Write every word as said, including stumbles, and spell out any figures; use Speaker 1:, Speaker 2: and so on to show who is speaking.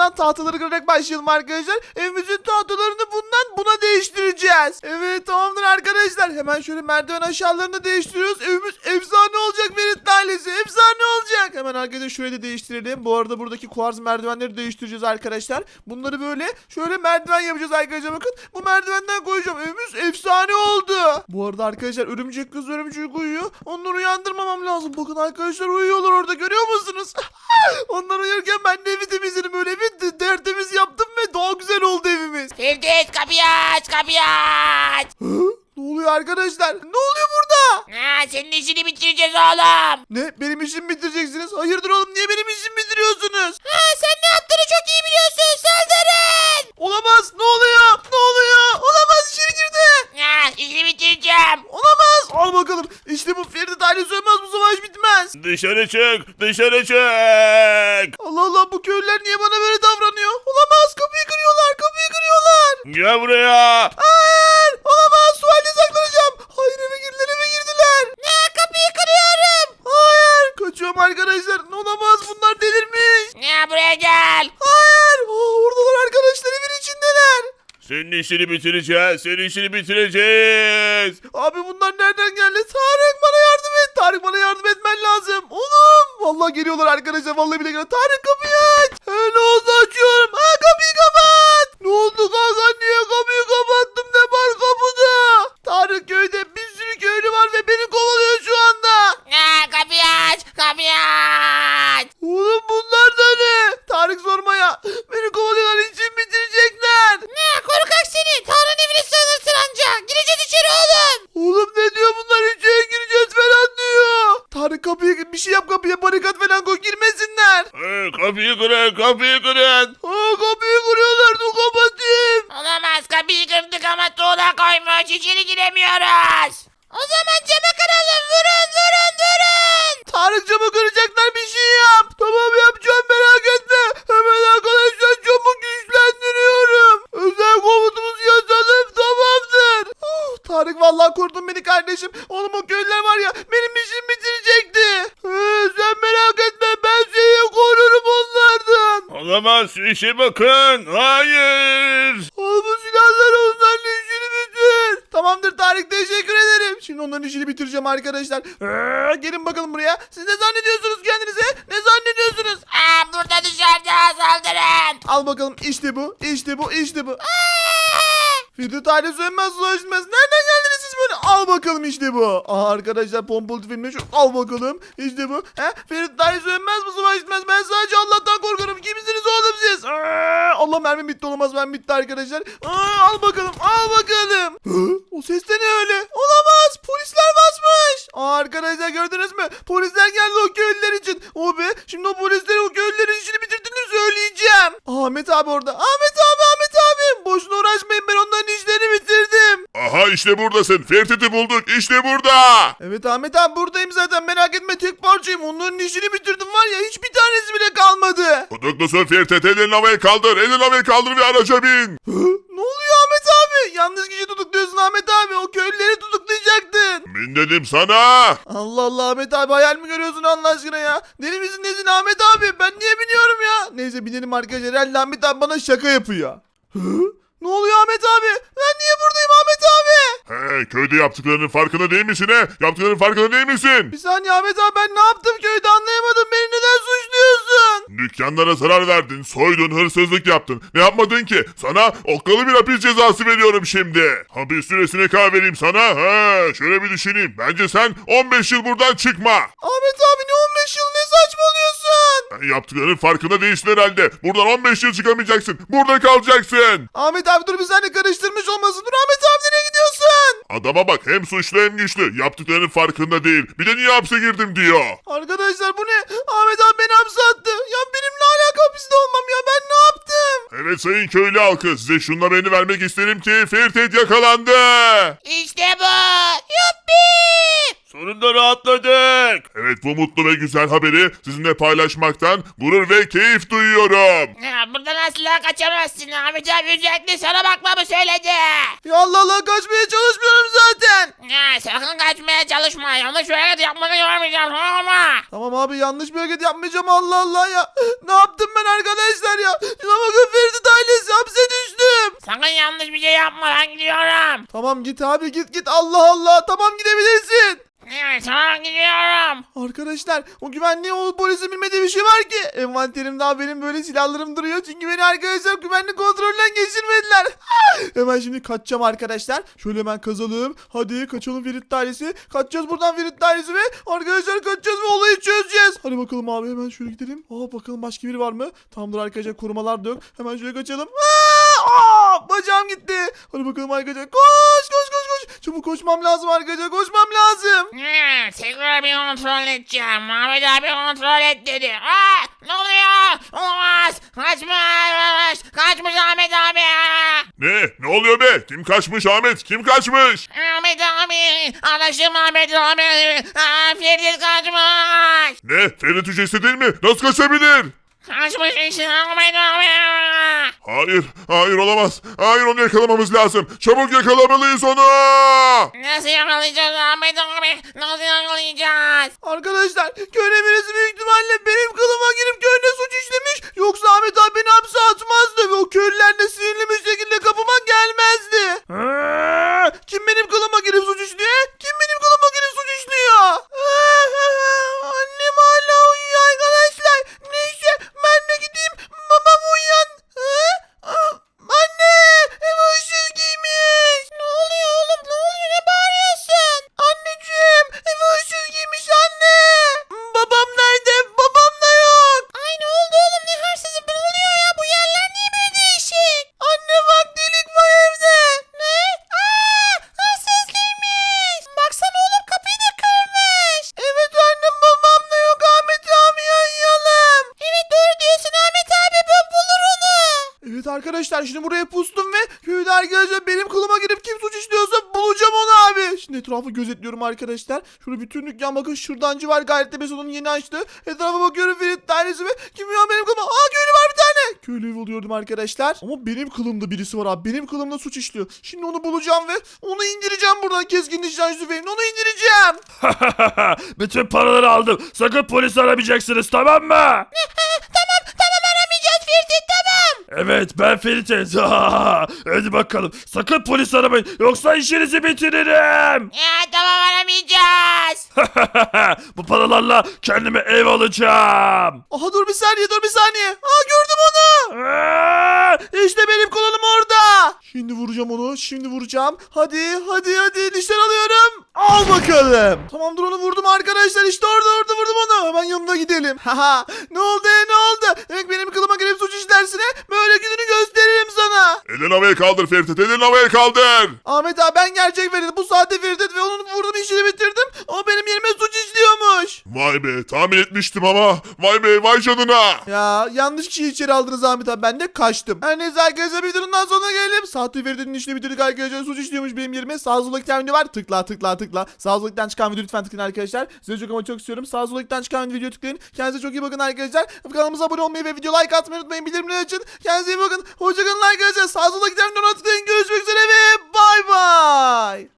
Speaker 1: durmadan tahtaları kırarak başlayalım arkadaşlar. Evimizin tahtalarını bundan buna değiştireceğiz. Evet tamamdır arkadaşlar. Hemen şöyle merdiven aşağılarını değiştiriyoruz. Evimiz efsane olacak Ferit ailesi. Efsane olacak. Hemen arkadaşlar şurayı da değiştirelim. Bu arada buradaki kuarz merdivenleri değiştireceğiz arkadaşlar. Bunları böyle şöyle merdiven yapacağız arkadaşlar. Bakın bu merdivenden koyacağım. Evimiz efsane oldu. Bu arada arkadaşlar örümcek kız örümcek uyuyor. Onları uyandırmamam lazım. Bakın arkadaşlar uyuyorlar orada, görüyor musunuz? Onlar uyurken ben de evi temizledim. Öyle evi tertemiz yaptım ve daha güzel oldu evimiz.
Speaker 2: Firdevs kapıyı aç, kapıyı aç.
Speaker 1: Ne oluyor arkadaşlar? Ne oluyor burada?
Speaker 2: Ha, senin işini bitireceğiz oğlum.
Speaker 1: Ne? Benim işimi bitireceksiniz? Hayırdır oğlum, niye benim işimi bitiriyorsunuz?
Speaker 2: Ha, sen ne yaptığını çok iyi biliyorsun. Saldırın.
Speaker 1: Olamaz. Ne oluyor? Ne oluyor? Olamaz, içeri girdi.
Speaker 2: Ha, işini bitireceğim.
Speaker 1: Olamaz. Al bakalım. İşte bu Ferit ailesi ölmez, bu savaş bitmez.
Speaker 3: Dışarı çık, dışarı çık.
Speaker 1: Allah Allah, bu köylüler niye bana böyle davranıyor? Olamaz, kapıyı kırıyorlar, kapıyı kırıyorlar.
Speaker 3: Gel buraya.
Speaker 1: Hayır, olamaz, tuvalete saklanacağım. Hayır, eve girdiler, eve girdiler.
Speaker 2: Ne, kapıyı kırıyorum.
Speaker 1: Hayır, kaçıyorum arkadaşlar. Olamaz, bunlar delirmiş.
Speaker 2: Ne, buraya gel.
Speaker 1: Hayır, aa, oradalar arkadaşlar, evin içindeler.
Speaker 3: Senin işini bitireceğiz, senin işini bitireceğiz.
Speaker 1: Abi bunlar nereden geldi? Tarık bana yardım et. Tarık bana yardım etmen lazım. Oğlum. Vallahi geliyorlar arkadaşlar. Vallahi bile geliyorlar. Tarık kapıyı aç. He, ne oldu, açıyorum. Ha, kapıyı kapat. Ne oldu kanka, niye kapıyı kapattım, ne var kapıda? Tarık, köyde bir sürü köylü var ve beni kovalıyor şu anda.
Speaker 2: Ha, kapıyı aç, kapıyı aç.
Speaker 1: Oğlum bunlar da ne? Tarık sorma ya. Beni kovalıyorlar, için bitirecekler.
Speaker 2: Ne, korkak seni. Tanrı'nın evine sığınırsın anca. Gireceğiz içeri oğlum.
Speaker 1: Oğlum ne diyor bunlar, içeri gireceğiz falan diyor. Tarık kapıyı bir şey yap, kapıya barikat falan koy, girmesinler.
Speaker 3: Ee, kapıyı kırın, kapıyı kırın.
Speaker 1: Aa, kapıyı kırıyorlar, dur kapatayım.
Speaker 2: Olamaz, kapıyı kırdık ama tuğla koymuş. İçeri giremiyoruz. O zaman camı kıralım. Vurun, vurun, vurun.
Speaker 1: Tarık, camı kıracaklar, bir şey yap. Tamam, yapacağım, merak etme. Hemen arkadaşlar camı güçlendiriyorum. Özel komutumuzu yazalım, tamamdır. Oh, Tarık vallahi korktun beni kardeşim. Oğlum o köylüler var ya, benim işimi bitirecekti. Ee, sen merak etme, ben seni korurum onlardan.
Speaker 3: Olamaz, şu işe bakın. Hayır.
Speaker 1: Al bu silahları, onların işini bitir. Tamamdır Tarık, teşekkür ederim. Şimdi onların işini bitireceğim arkadaşlar. Ee, gelin bakalım buraya. Siz ne zannediyorsunuz kendinize? Ne zannediyorsunuz?
Speaker 2: Aa, burada dışarıda, saldırın.
Speaker 1: Al bakalım, işte bu, işte bu, işte bu. Firdevs ailesi ölmez, savaşmaz. Nereden geldiniz siz böyle? Al bakalım, işte bu. Aha arkadaşlar, pompalı tüfeğimle şu, al bakalım. İşte bu. He? Ferit ailesi ölmez, bu savaşmaz. Ben sadece Allah'tan korkarım. Kimsiniz oğlum siz? Aa, Allah, mermi bitti, olamaz, mermi bitti arkadaşlar. Aa, al bakalım, al bakalım. Hı? O ses de ne öyle? Olamaz, polisler basmış. Aa, arkadaşlar gördünüz mü? Polisler geldi o köylüler için. O be, şimdi o polisleri o köylülerin işini bitirdiğini söyleyeceğim. Ahmet abi orada. Ahmet abi, Ahmet abi. Boşuna uğraşmayın, ben onların işlerini bitirdim.
Speaker 3: Aha, işte buradasın. Ferit'i bulduk, işte burada.
Speaker 1: Evet Ahmet abi, buradayım zaten, merak etme, tek parçayım. Onların işini bitirdim var ya, hiçbir tanesi bile kalmadı.
Speaker 3: Tutuklusun Ferit, elini havaya kaldır, elini havaya kaldır ve araca bin.
Speaker 1: Hı? Ne oluyor Ahmet abi? Yanlış kişi tutukluyorsun Ahmet abi. O köylüleri tutuklayacaktın.
Speaker 3: Bin dedim sana.
Speaker 1: Allah Allah Ahmet abi, hayal mi görüyorsun Allah aşkına ya? Deli misin nesin Ahmet abi? Ben niye biniyorum ya? Neyse binelim arkadaşlar. Herhalde Ahmet abi bana şaka yapıyor. Hı? Ne oluyor Ahmet abi? Ben niye buradayım Ahmet abi?
Speaker 3: He, köyde yaptıklarının farkında değil misin he? Yaptıklarının farkında değil misin?
Speaker 1: Bir saniye Ahmet abi, ben ne yaptım köyde, anlayamadım. Beni neden suçluyorsun?
Speaker 3: Dükkanlara zarar verdin, soydun, hırsızlık yaptın. Ne yapmadın ki? Sana okkalı bir hapis cezası veriyorum şimdi. Hapis süresine kadar vereyim sana. He, şöyle bir düşüneyim. Bence sen on beş yıl buradan çıkma.
Speaker 1: Ahmet abi, ne on beş yıl, ne saçmalıyorsun?
Speaker 3: Ben yaptıklarının farkında değilsin herhalde. Buradan on beş yıl çıkamayacaksın. Burada kalacaksın.
Speaker 1: Ahmet abi dur, bir saniye, karıştırmış olmasın. Dur Ahmet abi, nereye gidiyorsun?
Speaker 3: Adama bak, hem suçlu hem güçlü. Yaptıklarının farkında değil. Bir de niye hapse girdim diyor.
Speaker 1: Arkadaşlar bu ne? Ahmet abi beni hapse attı. Ya benim ne alaka hapiste olmam ya, ben ne yaptım?
Speaker 3: Evet sayın köylü halkı, size şunla beni vermek isterim ki Ferit yakalandı.
Speaker 2: İşte bu. Yuppi.
Speaker 3: Sonunda
Speaker 4: sonunda rahatladık.
Speaker 3: Evet, bu mutlu ve güzel haberi sizinle paylaşmaktan gurur ve keyif duyuyorum.
Speaker 2: Ya, buradan asla kaçamazsın. Ahmet abi özellikle sana bakmamı söyledi.
Speaker 1: Ya Allah Allah, kaçmaya çalışmıyorum zaten.
Speaker 2: Ya, sakın kaçmaya çalışma. Yanlış bir hareket yapmanı görmeyeceğim, tamam mı?
Speaker 1: Tamam abi, yanlış bir hareket yapmayacağım, Allah Allah ya. Ne yaptım ben arkadaşlar ya? Şuna bakın, Ferit ailesi, hapse düştüm.
Speaker 2: Sakın yanlış bir şey yapma, ben gidiyorum.
Speaker 1: Tamam git abi, git git, Allah Allah, tamam gidebilirsin.
Speaker 2: Evet, tamam gidiyorum.
Speaker 1: Arkadaşlar, o güvenliği, o polisin bilmediği bir şey var ki. Envanterimde daha benim böyle silahlarım duruyor. Çünkü beni arkadaşlar güvenlik kontrolünden geçirmediler. Hemen şimdi kaçacağım arkadaşlar. Şöyle hemen kazalım. Hadi kaçalım Ferit dairesi. Kaçacağız buradan Ferit dairesi ve arkadaşlar kaçacağız ve olayı çözeceğiz. Hadi bakalım abi, hemen şöyle gidelim. Aa, bakalım başka biri var mı? Tamamdır arkadaşlar, korumalar da yok. Hemen şöyle kaçalım. Aa, aa, bacağım gitti. Hadi bakalım arkadaşlar. Koş koş koş koş. Çabuk koşmam lazım arkadaşlar. Koşmam lazım.
Speaker 2: Evet, tekrar bir kontrol edeceğim. Ahmet abi kontrol et dedi. Aa, ne oluyor? Olamaz. Kaçmış. Kaçmış Ahmet abi.
Speaker 3: Ne? Ne oluyor be? Kim kaçmış Ahmet? Kim kaçmış?
Speaker 2: Ahmet abi. Adaşım Ahmet abi. Aa, Ferit kaçmış.
Speaker 3: Ne? Ferit ücretsiz değil mi? Nasıl kaçabilir?
Speaker 2: Kaçmış işte Ahmet abi.
Speaker 3: Hayır, hayır olamaz. Hayır, onu yakalamamız lazım. Çabuk yakalamalıyız onu.
Speaker 2: Nasıl yakalayacağız Ahmet abi? Nasıl yakalayacağız?
Speaker 1: Arkadaşlar, köyne birisi büyük ihtimalle benim kılıma girip köyne suç işlemiş. Yoksa Ahmet abi beni hapse atmazdı ve o köylüler de sinirli bir şekilde kapıma gelmezdi. Aa, kim benim kılıma girip suç işliyor? Kim benim kılıma girip suç işliyor? Aa, annem hala uyuyor arkadaşlar. Neyse, ben de gideyim. Babam uyan. Aa, aa, anne, ev ışık giymiş. Ne oluyor oğlum? Ne oluyor? Ne bağırıyorsun? Anneciğim, ev ışık giymiş anne. Babam nerede? Babam da yok. Ay, ne oldu oğlum? Ne hırsızı? Ne oluyor ya? Bu yerler niye böyle değişik? Anne bak, delik var evde. Ne? Aa, hırsız girmiş. Baksana oğlum, kapıyı da kırmış. Evet annem, babam da yok. Ahmet abi arayalım. Evet, doğru diyorsun Ahmet abi, ben bulur onu. Evet arkadaşlar, şimdi buraya pustum ve köyde arkadaşlar benim kılıma girip kim suç işliyorsa bulacağım onu abi. Şimdi etrafı gözetliyorum arkadaşlar. Şurada bütün dükkan, bakın şırdancı var, Gayrettepe sonunu yeni açtı. Etrafa bakıyorum, Ferit dairesi ve kim ya benim kılıma? Aa, köylü var bir tane. Köylüyü buluyordum arkadaşlar. Ama benim kılımda birisi var abi. Benim kılımda suç işliyor. Şimdi onu bulacağım ve onu indireceğim buradan, keskin nişancı tüfeğimle onu indireceğim.
Speaker 4: Bütün paraları aldım. Sakın polis aramayacaksınız, tamam mı?
Speaker 2: Tamam tamam, aramayacağız Ferit, tamam.
Speaker 4: Evet, ben Ferit'im. Hadi bakalım. Sakın polis aramayın. Yoksa işinizi bitiririm.
Speaker 2: Ya, tamam, aramayacağız.
Speaker 4: Bu paralarla kendime ev alacağım.
Speaker 1: Aha, dur bir saniye, dur bir saniye. Aa, gördüm onu.
Speaker 4: Aa!
Speaker 1: İşte benim kolum orada. Şimdi vuracağım onu. Şimdi vuracağım. Hadi hadi hadi, nişan alıyorum. Al bakalım. Tamamdır, onu vurdum arkadaşlar. İşte orada orada vurdum onu. Hemen yanına gidelim. Haha. Ne oldu ne oldu? Demek benim kılıma girip suç işlersin he? Böyle gününü gösteririm sana.
Speaker 3: Elini havaya kaldır Ferit. Elini havaya kaldır.
Speaker 1: Ahmet abi, ben gerçek Ferit. Bu sahte Ferit ve onu vurdum, işini bitirdim. O benim yerime suç işliyormuş.
Speaker 3: Vay be, tahmin etmiştim ama. Vay be, vay canına.
Speaker 1: Ya, yanlış kişiyi içeri aldınız Ahmet abi. Ben de kaçtım. Her neyse arkadaşlar, videonun sonuna gelelim. Sahte Ferit'in işini bitirdik arkadaşlar. Suç işliyormuş benim yerime. Sağ sola iki tane video var. Tıkla tıkla tıkla. Sağ sola iki çıkan video lütfen tıklayın arkadaşlar. Size çok ama çok istiyorum. Sağ sola iki çıkan video tıklayın. Kendinize çok iyi bakın arkadaşlar. Kanalımıza abone olmayı ve video like atmayı unutmayın. Bildirimleri açın. Kendinize iyi bakın. Hoşçakalın arkadaşlar. Sağ sola iki tane video tıklayın. Görüşmek üzere ve bay bay.